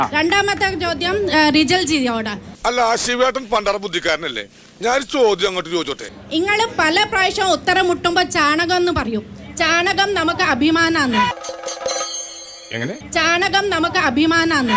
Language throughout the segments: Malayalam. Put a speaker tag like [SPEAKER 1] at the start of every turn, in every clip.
[SPEAKER 1] രണ്ടാമത്തെ ചോദ്യം റിജൽ ജിയോട്.
[SPEAKER 2] അല്ല, ശിവേട്ടൻ പണ്ടറ ബുദ്ധിക്കാരനല്ലേ? ഞാൻ ചോദ്യം അങ്ങോട്ട് ചോദിച്ചോട്ടെ.
[SPEAKER 1] നിങ്ങൾ പല പ്രാവശ്യം ഉത്തരം മുട്ടുമ്പോ ചാണകം എന്ന് പറയും. ചാണകം നമുക്ക് അഭിമാനാന്ന്.
[SPEAKER 2] എങ്ങനെ?
[SPEAKER 1] ചാണകം നമുക്ക് അഭിമാനാന്ന്.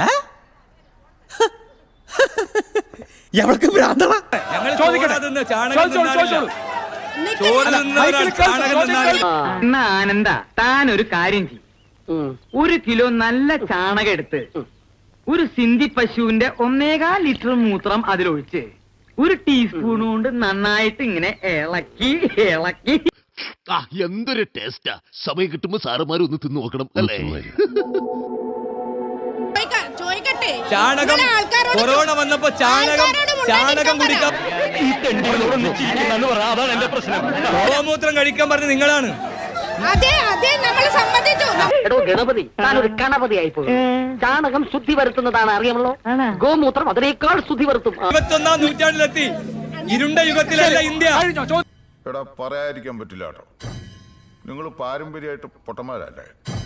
[SPEAKER 3] ആനന്ദ താൻ ഒരു കാര്യം ചെയ്യും. 1 കിലോ നല്ല ചാണകം എടുത്ത് ഒരു സിന്ധി പശുവിന്റെ 1.25 ലിറ്റർ മൂത്രം അതിലൊഴിച്ച് 1 ടീസ്പൂൺ കൊണ്ട് നന്നായിട്ട് ഇങ്ങനെ ഇളക്കി ഇളക്കി.
[SPEAKER 4] എന്തൊരു ടേസ്റ്റാ! സമയം കിട്ടുമ്പോ സാറുമാരും ഒന്ന് തിന്നു നോക്കണം അല്ലേ?
[SPEAKER 5] ചാണകം കൊറോണ വന്നപ്പോ ചാണകം കുടിക്കാൻ ഗോമൂത്രം കഴിക്കാൻ പറഞ്ഞ നിങ്ങളാണ്.
[SPEAKER 6] എടോ ഗണപതി, താനൊരു കണപതി ആയിപ്പോയി. ചാണകം ശുദ്ധി വരുത്തുന്നതാണ് അറിയാമല്ലോ. ഗോമൂത്രം അതിനേക്കാൾ ശുദ്ധി വരുത്തും.
[SPEAKER 5] 21-ാം നൂറ്റാണ്ടിലെത്തി. ഇരുണ്ട യുഗത്തിലല്ല ഇന്ത്യ.
[SPEAKER 7] എടാ, പറയാതിരിക്കാൻ പറ്റില്ല കേട്ടോ. നിങ്ങൾ പാരമ്പര്യമായിട്ട് പൊട്ടന്മാരല്ലേ?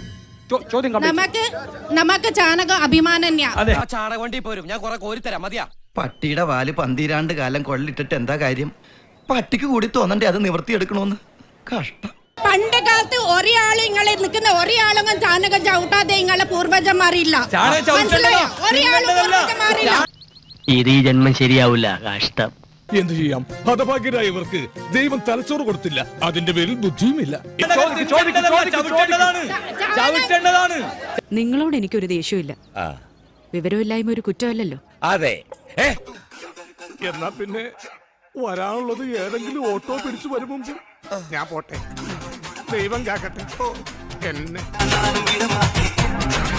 [SPEAKER 1] നമുക്ക് ചാണകം അഭിമാനം.
[SPEAKER 8] ചാണകം വണ്ടി പോരും, ഞാൻ കുറെ കോരിത്തരാം. മതിയാ?
[SPEAKER 9] പട്ടിയുടെ വാല് 12 കാലം കൊള്ളിട്ടിട്ട് എന്താ കാര്യം? പട്ടിക്ക് കൂടി തോന്നണ്ടേ അത് നിവർത്തിയെടുക്കണോന്ന്? കഷ്ടം.
[SPEAKER 1] പണ്ട് കാലത്ത് ഒരാളും ഇങ്ങളെ നിൽക്കുന്ന ഒരാളൊന്നും ചാണകം ചവിട്ടാതെ ഇങ്ങളെ പൂർവജന്മാരില്ല.
[SPEAKER 3] ഇത് ഈ ജന്മം ശരിയാവില്ല. കഷ്ടം.
[SPEAKER 2] എന്ത് ചെയ്യാം? ഹതഭാഗ്യരായ ഇവർക്ക് ദൈവം തലച്ചോറ് കൊടുത്തില്ല. അതിന്റെ പേരിൽ ബുദ്ധിയുമില്ല.
[SPEAKER 10] നിങ്ങളോട് എനിക്കൊരു ദേഷ്യമില്ല. വിവരമില്ലായ്മ ഒരു കുറ്റമല്ലല്ലോ.
[SPEAKER 8] അതെ.
[SPEAKER 2] എന്നാ പിന്നെ വരാനുള്ളത് ഏതെങ്കിലും ഓട്ടോ പിടിച്ചു വരും മുമ്പ് ഞാൻ പോട്ടെ. ദൈവം കാക്കട്ടെ എന്നെ.